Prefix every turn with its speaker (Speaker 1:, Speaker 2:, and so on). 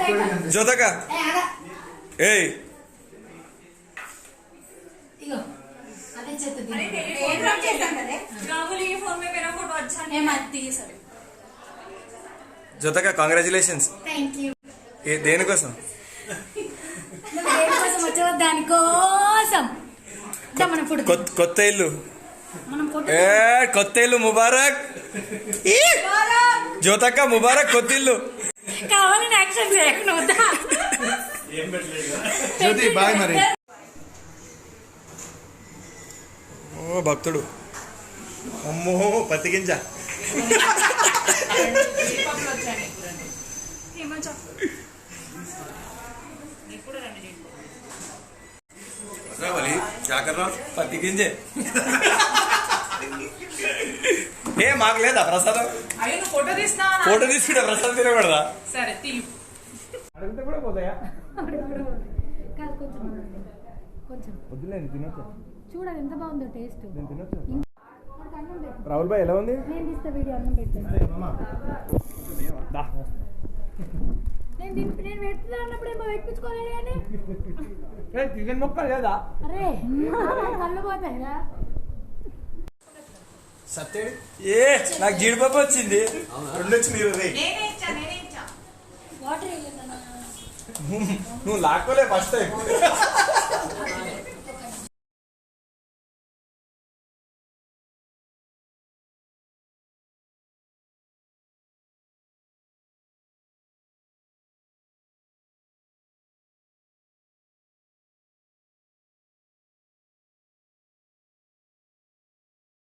Speaker 1: జ్యోతక ఏయ్ జ్యోతక కాంగ్రాచులేషన్స్. దేనికోసం? కొత్త ఇల్లు. కొత్త ఇల్లు ముబారక్. జ్యోతక్క ముబారక్ కొత్త ఇల్లు.
Speaker 2: కావాలని యాక్షన్ చేయకుండా
Speaker 1: జ్యోతి బాయ్ మరి. ఓ భక్తుడు. అమ్మో పత్తి గింజ. పత్తి గింజే ఏ మాకు లేదా ప్రసాదం?
Speaker 2: ఫోటో
Speaker 1: తీసుకుంటా ప్రసాదం తినకూడదా?
Speaker 2: సరే
Speaker 1: అడిగితే కూడా పోతాయా?
Speaker 3: చూడాలి ఎంత బాగుందో టేస్ట్.
Speaker 1: రాహుల్ భాయ్ ఎలా ఉంది?
Speaker 3: నేను తీస్తా వీడియో. అన్నం పెట్టాను నేను పెడుతున్నా అన్నప్పుడు ఏమో పెట్టించుకోలేదు కానీ
Speaker 1: చికెన్ మొక్క లేదా?
Speaker 3: అరే కళ్ళు పోతాయిరా.
Speaker 1: సత్యడు ఏ నాకు జీడిపప్పు వచ్చింది. రెండు వచ్చింది.
Speaker 3: వాటర్
Speaker 1: నువ్వు లాక్కోలే ఫస్ట్ టైం.